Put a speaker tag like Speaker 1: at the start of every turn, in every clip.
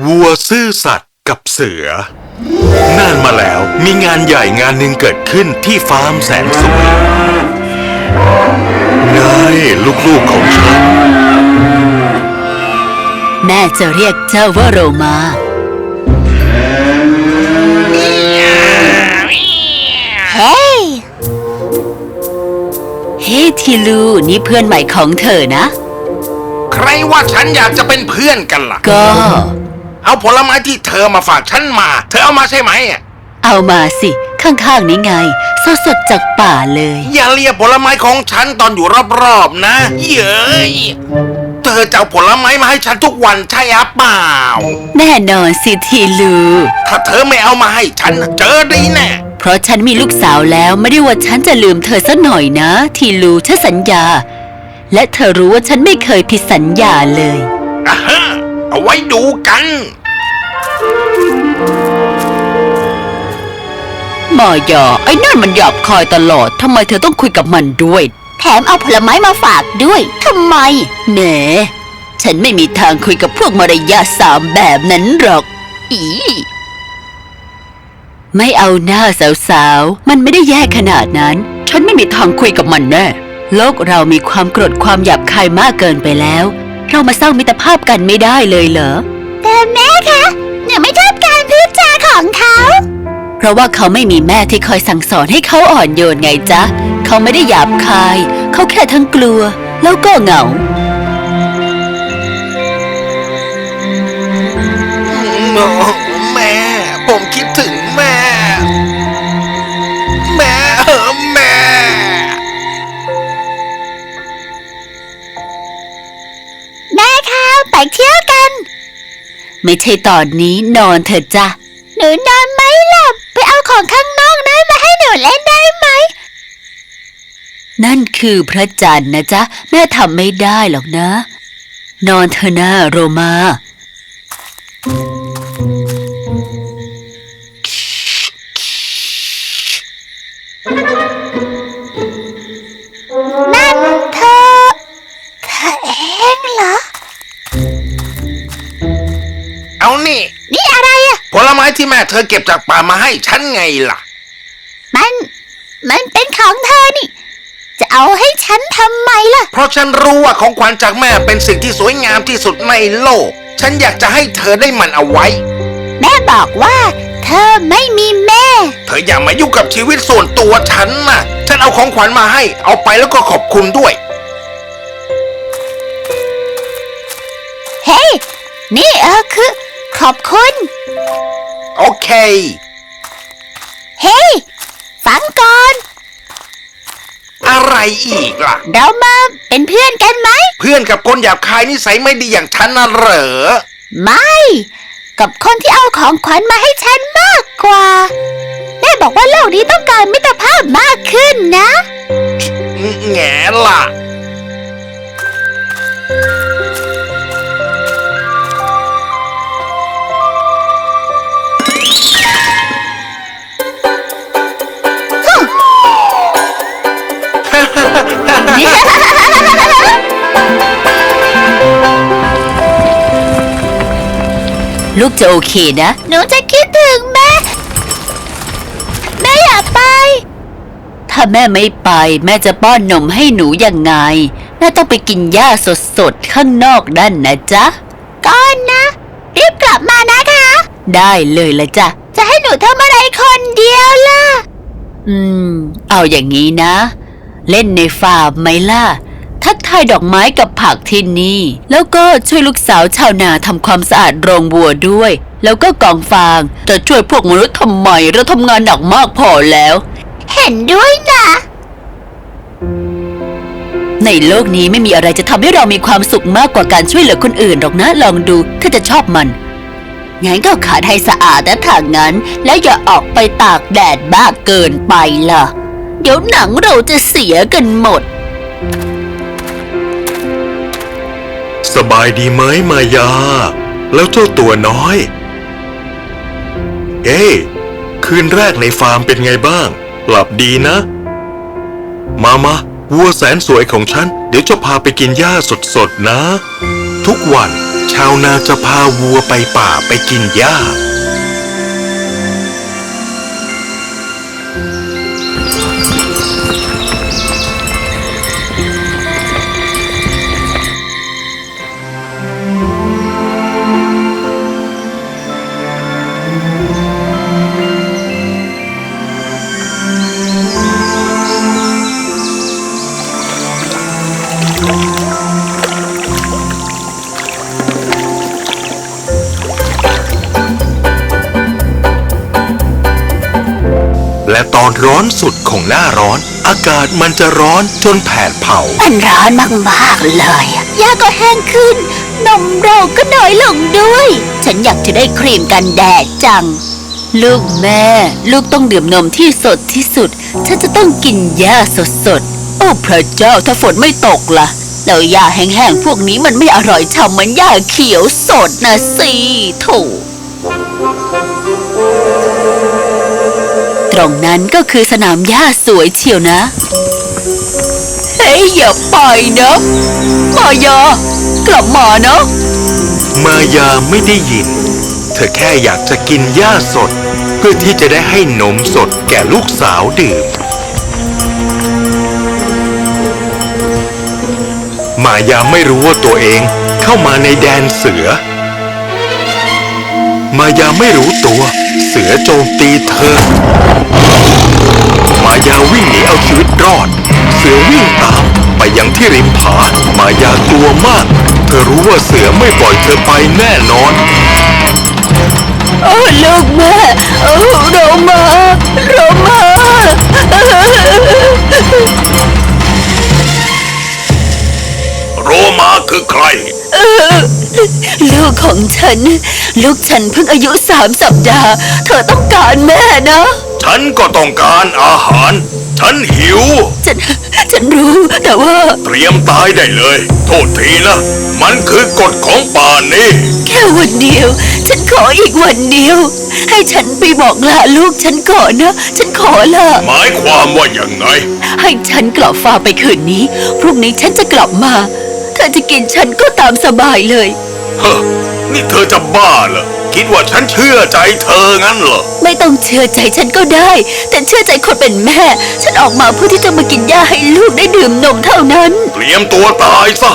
Speaker 1: วัวซื่อสัตย์กับเสือนานมาแล้วมีงานใหญ่งานหนึ่งเกิดขึ้นที่ฟาร์มแสนสวยนายลูกๆของฉัน
Speaker 2: แม่จะเรียกเจ้าว่าโรมาเฮ้ทีลูนี่เพื่อนใหม่ของเธอนะ
Speaker 3: ใครว่าฉันอยากจะเป็นเพื่อนกันล่ะ
Speaker 2: ก็
Speaker 3: เอาผลไม้ที่เธอมาฝากฉันมาเธอเอามาใช่ไหม
Speaker 2: เอามาสิข้างๆนี้ไงสดๆจากป่าเลย
Speaker 3: อย่าเลียผลไม้ของฉันตอนอยู่รอบๆนะเย้ยเธอจะเอาผลไม้มาให้ฉันทุกวันใช่หรือเปล่า
Speaker 2: แน่นอนสิทีลู
Speaker 3: ถ้าเธอไม่เอามาให้ฉันเจอดีแน่
Speaker 2: เพราะฉันมีลูกสาวแล้วไม่ได้ว่าฉันจะลืมเธอสักหน่อยนะทีลูฉันสัญญาและเธอรู้ว่าฉันไม่เคยผิดสัญญาเลย
Speaker 3: เอาไว้ดูกัน
Speaker 2: มายาไอ้นั่นมันหยาบคายตลอดทำไมเธอต้องคุยกับมันด้วยแถมเอาผลไม้มาฝากด้วยทำไมแหมฉันไม่มีทางคุยกับพวกมารยาทสามแบบนั้นหรอกไม่เอาหน้าสาวๆมันไม่ได้แย่ขนาดนั้นฉันไม่มีทางคุยกับมันแน่โลกเรามีความโกรธความหยาบคายมากเกินไปแล้วเรามาสร้างมิตรภาพกันไม่ได้เลยเหรอแต่แม่คะหนูไม่ชอบการพูดจาของเขาเพราะว่าเขาไม่มีแม่ที่คอยสั่งสอนให้เขาอ่อนโยนไงจ๊ะเขาไม่ได้หยาบคายเขาแค่ทั้งกลัวแล้วก็เหงา
Speaker 3: แม่ผมคิดถึงแม่แม่
Speaker 2: คะไปเที่ยวกันไม่ใช่ตอนนี้นอนเถอะจ้ะหนูนอนไม่หลับไปเอาของข้างนอกนั้นมาให้หนูเล่นได้ไหมนั่นคือพระจันทร์นะจ๊ะแม่ทำไม่ได้หรอกนะนอนเถอะนะโรมานั่นเธอเองเหรอ
Speaker 3: เอานี่
Speaker 2: อะไรอะ
Speaker 3: ผลไม้ที่แม่เธอเก็บจากป่ามาให้ฉันไงล่ะ
Speaker 2: มันเป็นของเธอนี่จะเอาให้ฉันทำไมล่ะ
Speaker 3: เพราะฉันรู้ว่าของขวัญจากแม่เป็นสิ่งที่สวยงามที่สุดในโลกฉันอยากจะให้เธอได้มันเอาไว้
Speaker 2: แม่บอกว่าเธอไม่มีแม่
Speaker 3: เธออย่ามายุ่งกับชีวิตส่วนตัวฉันนะฉันเอาของขวัญมาให้เอาไปแล้วก็ขอบคุณด้วย
Speaker 2: เฮ้นี่คือขอบคุณ
Speaker 3: โอเค
Speaker 2: เฮ้ฟังก่อน
Speaker 3: อะไรอีกล่ะ
Speaker 2: เรามาเป็นเพื่อนกันไหม
Speaker 3: เพื่อนกับคนหยาบคายนิสัยไม่ดีอย่างฉันน่ะเหรอ
Speaker 2: ไม่กับคนที่เอาของขวัญมาให้ฉันมากกว่าแม่บอกว่าโลกนี้ต้องการมิตรภาพมากขึ้นนะ
Speaker 3: แง่ล่ะ
Speaker 2: ลูกจะโอเคนะหนูจะคิดถึงแม่อยากไปถ้าแม่ไม่ไปแม่จะป้อนนมให้หนูยังไงแม่ต้องไปกินหญ้าสดๆข้างนอกนั่นนะจ๊ะก่อนนะรีบกลับมานะคะได้เลยละจ๊ะจะให้หนูทำอะไรคนเดียวล่ะเอาอย่างนี้นะเล่นในฟาร์มไหมล่ะทักทายดอกไม้กับผักที่นี่แล้วก็ช่วยลูกสาวชาวนาทำความสะอาดโรงวัวด้วยแล้วก็กองฟางจะช่วยพวกมนุษย์ทำไมเราทำงานหนักมากพอแล้วเห็นด้วยนะในโลกนี้ไม่มีอะไรจะทำให้เรามีความสุขมากกว่าการช่วยเหลือคนอื่นหรอกนะลองดูถ้าจะชอบมันงั้นก็ขัดให้สะอาดนะถ้างั้นแล้วอย่าออกไปตากแดดมากเกินไปล่ะเดี๋ยวหนังเราจะเสียกันหมด
Speaker 1: สบายดีไหมมายาแล้วเจ้าตัวน้อยคืนแรกในฟาร์มเป็นไงบ้างหลับดีนะมาวัวแสนสวยของฉันเดี๋ยวจะพาไปกินหญ้าสดๆนะทุกวันชาวนาจะพาวัวไปป่าไปกินหญ้าและตอนร้อนสุดของหน้าร้อน อากาศมันจะร้อนจนแผดเผา
Speaker 2: มันร้อนมากๆเลยหญ้าก็แห้งขึ้น นมเราก็น้อยลงด้วย ฉันอยากจะได้ครีมกันแดดจัง ลูกแม่ ลูกต้องดื่มนมที่สดที่สุด ฉันจะต้องกินหญ้าสดๆ โอ้พระเจ้าถ้าฝนไม่ตกล่ะ แล้วหญ้าแห้งๆพวกนี้มันไม่อร่อยฉ่ำเหมือนหญ้าเขียวสดนะสิโถตรงนั้นก็คือสนามหญ้าสวยเชียวนะ เฮ้ยอย่าไปนะมายากลับมานะ
Speaker 1: มายาไม่ได้ยิน เธอแค่อยากจะกินหญ้าสด เพื่อที่จะได้ให้นมสดแก่ลูกสาวดื่ม มายาไม่รู้ว่าตัวเองเข้ามาในแดนเสือ มายาไม่รู้ตัว เสือโจมตีเธอ มายาวิ่งหนีเอาชีวิตรอด เสือวิ่งตามไปยังที่ริมผามายากลัวมาก เธอรู้ว่าเสือไม่ปล่อยเธอไปแน่นอน
Speaker 2: โอ้ลูกแม่โอ้เรามา
Speaker 3: โรมาคือใคร
Speaker 2: ลูกของฉัน ลูกฉันเพิ่งอายุ3 สัปดาห์ เธอต้องการแม่นะ
Speaker 3: ฉันก็ต้องการอาหาร ฉันหิว
Speaker 2: ฉันรู้แต่ว่า
Speaker 3: เตรียมตายได้เลย โทษทีนะ มันคือกฎของป่านี้
Speaker 2: แค่วันเดียว ฉันขออีกวันเดียว ให้ฉันไปบอกลาลูกฉันก่อนนะ ฉันขอละ
Speaker 3: หมายความว่าอย่างไง
Speaker 2: ให้ฉันกลับฟาร์มไปคืนนี้ พรุ่งนี้ฉันจะกลับมาเธอจะกินฉันก็ตามสบายเลย
Speaker 3: เฮ้อนี่เธอจะบ้าเหรอ คิดว่าฉันเชื่อใจเธองั้นเหรอ
Speaker 2: ไม่ต้องเชื่อใจฉันก็ได้ แต่เชื่อใจคนเป็นแม่ ฉันออกมาเพื่อที่จะมากินหญ้าให้ลูกได้ดื่มนมเท่านั้น
Speaker 3: เตรียมตัวตายซะ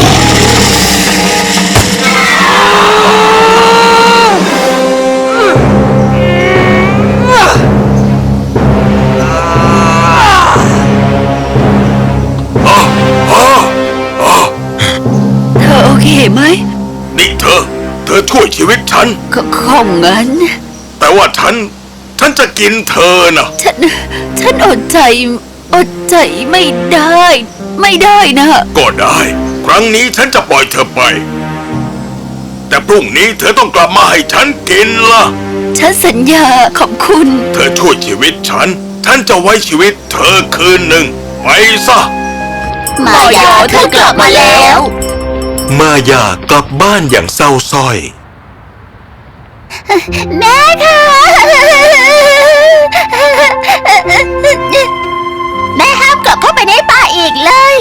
Speaker 2: เธอโอเคไหม
Speaker 3: นี่เธอช่วยชีวิตฉัน
Speaker 2: คงงั้น
Speaker 3: แต่ว่าฉันจะกินเธอนะ
Speaker 2: ฉันอดใจไม่ได้นะ
Speaker 3: ก็ได้ ครั้งนี้ฉันจะปล่อยเธอไป แต่พรุ่งนี้เธอต้องกลับมาให้ฉันกินล่ะ
Speaker 2: ฉันสัญญาขอบคุณ
Speaker 3: เธอช่วยชีวิตฉันจะไว้ชีวิตเธอคืนหนึ่งไปซะ
Speaker 2: มายาเธอกลับมาแล้ว
Speaker 1: มายากลับบ้านอย่างเศร้าส้อย
Speaker 2: แม่ค่ะแม่ห้ามกลับเข้าไปในป่าอีกเลย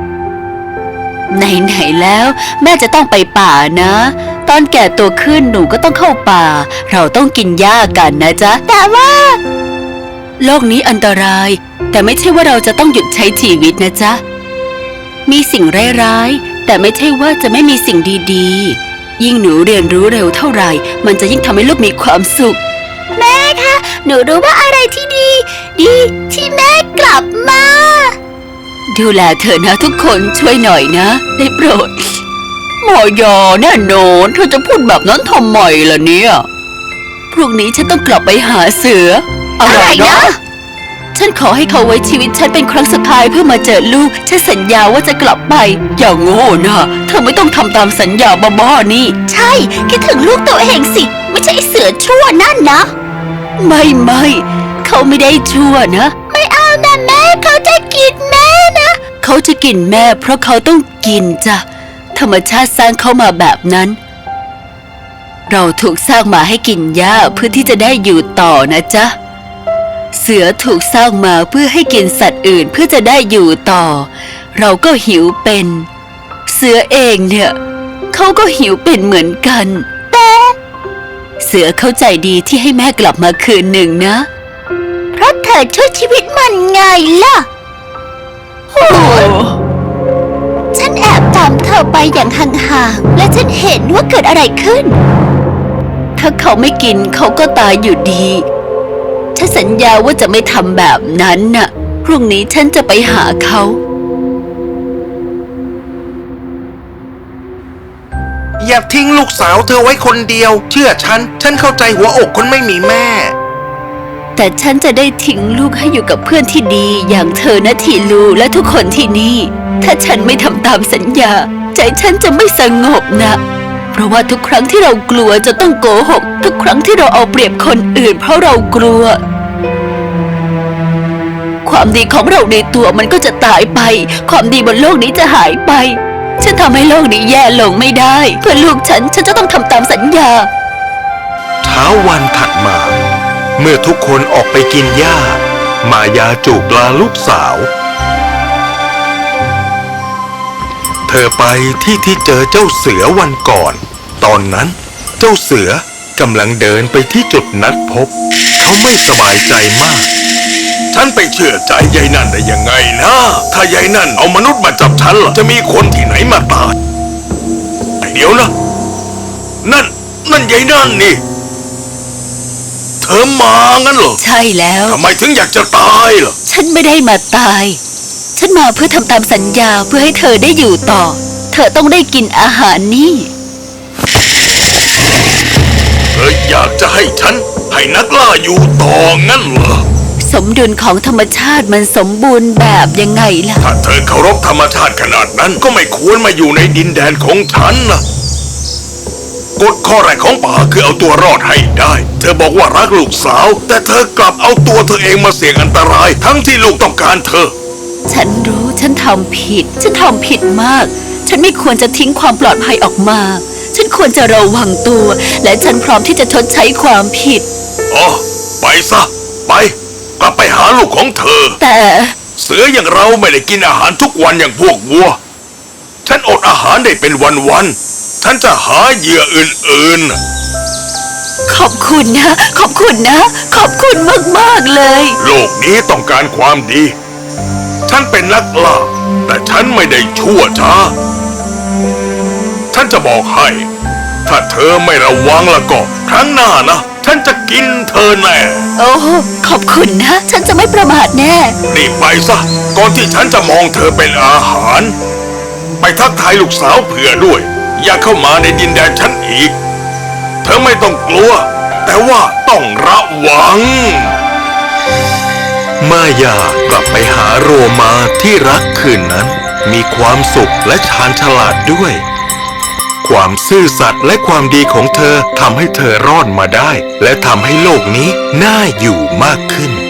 Speaker 2: ไหนๆแล้ว แม่จะต้องไปป่านะ ตอนแก่ตัวขึ้นหนูก็ต้องเข้าป่า เราต้องกินหญ้ากันนะจ๊ะแต่ว่าโลกนี้อันตราย แต่ไม่ใช่ว่าเราจะต้องหยุดใช้ชีวิตนะจ๊ะมีสิ่งร้ายๆแต่ไม่ใช่ว่าจะไม่มีสิ่งดีๆยิ่งหนูเรียนรู้เร็วเท่าไหร่มันจะยิ่งทำให้ลูกมีความสุขแม่คะหนูรู้ว่าอะไรที่ดีที่แม่กลับมาดูแลเธอนะทุกคนช่วยหน่อยนะได้โปรดหมอยาแน่นอนเธอจะพูดแบบนั้นทำไมล่ะเนี่ยพรุ่งนี้ฉันต้องกลับไปหาเสืออะไรนะฉันขอให้เขาไว้ชีวิตฉันเป็นครั้งสุดท้ายเพื่อมาเจอลูกฉันสัญญาว่าจะกลับไปอย่างโง่นะเธอไม่ต้องทำตามสัญญาบ้าๆนี่ใช่คิดถึงลูกตัวเองสิไม่ใช่เสือชั่วนั่นนะไม่เขาไม่ได้ชั่วนะไม่เอานะแม่เขาจะกินแม่นะเขาจะกินแม่เพราะเขาต้องกินจ้ะธรรมชาติสร้างเขามาแบบนั้นเราถูกสร้างมาให้กินหญ้าเพื่อที่จะได้อยู่ต่อนะจ๊ะเสือถูกสร้างมาเพื่อให้กินสัตว์อื่นเพื่อจะได้อยู่ต่อเราก็หิวเป็นเสือเองเนี่ยเขาก็หิวเป็นเหมือนกัน แต่เสือเข้าใจดีที่ให้แม่กลับมาคืนหนึ่งนะเพราะเธอช่วยชีวิตมันไงล่ะโอ้ฉันแอบตามเธอไปอย่างห่างๆและฉันเห็นว่าเกิดอะไรขึ้นถ้าเขาไม่กินเขาก็ตายอยู่ดีฉันสัญญาว่าจะไม่ทำแบบนั้นน่ะพรุ่งนี้ฉันจะไปหาเขา
Speaker 3: อย่าทิ้งลูกสาวเธอไว้คนเดียว เชื่อฉันเข้าใจหัวอกคนไม่มีแม่
Speaker 2: แต่ฉันจะได้ทิ้งลูกให้อยู่กับเพื่อนที่ดีอย่างเธอนะทีลูและทุกคนที่นี่ ถ้าฉันไม่ทำตามสัญญาใจฉันจะไม่สงบนะเพราะว่าทุกครั้งที่เรากลัวจะต้องโกหกทุกครั้งที่เราเอาเปรียบคนอื่นเพราะเรากลัวความดีของเราในตัวมันก็จะตายไปความดีบนโลกนี้จะหายไปฉันทำให้โลกนี้แย่ลงไม่ได้เพื่อลูกฉันจะต้องทำตามสัญญา
Speaker 1: เช้าวันถัดมาเมื่อทุกคนออกไปกินหญ้ามายาจูบลาลูกสาวเธอไปที่เจอเจ้าเสือวันก่อนตอนนั้นเจ้าเสือกำลังเดินไปที่จุดนัดพบเขาไม่สบายใจมากฉันไปเชื่อใจยายนั่นได้ยังไงนะถ้ายายนั่นเอามนุษย์มาจับฉันล่ะจะมีคนที่ไหนมาตายเดี๋ยวนะนั่นยายนั่นนี่เธอมางั้นเหรอ
Speaker 2: ใช่แล้ว
Speaker 1: ทำไมถึงอยากจะตายล่ะ
Speaker 2: ฉันไม่ได้มาตายฉันมาเพื่อทำตามสัญญาเพื่อให้เธอได้อยู่ต่อเธอต้องได้กินอาหารนี่
Speaker 1: เธออยากจะให้ฉันให้นักล่าอยู่ต่องั้นเหรอ
Speaker 2: สมดุลของธรรมชาติมันสมบูรณ์แบบยังไงล่ะ
Speaker 1: ถ้าเธอเคารพธรรมชาติขนาดนั้นก็ไม่ควรมาอยู่ในดินแดนของฉันนะกฎข้อแรกของป่าคือเอาตัวรอดให้ได้เธอบอกว่ารักลูกสาวแต่เธอกลับเอาตัวเธอเองมาเสี่ยงอันตรายทั้งที่ลูกต้องการเธอ
Speaker 2: ฉันรู้ฉันทำผิดมากฉันไม่ควรจะทิ้งความปลอดภัยออกมาฉันควรจะระวังตัวและฉันพร้อมที่จะชดใช้ความผิด
Speaker 1: อ๋อไปซะไปกลับไปหาลูกของเธอ
Speaker 2: แต่
Speaker 1: เสืออย่างเราไม่ได้กินอาหารทุกวันอย่างพวกวัวฉันอดอาหารได้เป็นวันๆฉันจะหาเหยื่ออื่น
Speaker 2: ๆขอบคุณนะขอบคุณมากๆเลย
Speaker 1: โลกนี้ต้องการความดีฉันเป็นนักล่าแต่ฉันไม่ได้ชั่วช้าฉันจะบอกให้ถ้าเธอไม่ระวังแล้วก็ครั้งหน้านะฉันจะกินเธอแน่
Speaker 2: โอ้ขอบคุณนะฉันจะไม่ประมาทแน่
Speaker 1: รีบไปซะก่อนที่ฉันจะมองเธอเป็นอาหารไปทักทายลูกสาวเผื่อด้วยอย่าเข้ามาในดินแดนฉันอีกเธอไม่ต้องกลัวแต่ว่าต้องระวังมายากลับไปหาโรมาที่รักคืนนั้นมีความสุขและชาญฉลาดด้วยความซื่อสัตย์และความดีของเธอทำให้เธอรอดมาได้และทำให้โลกนี้น่าอยู่มากขึ้น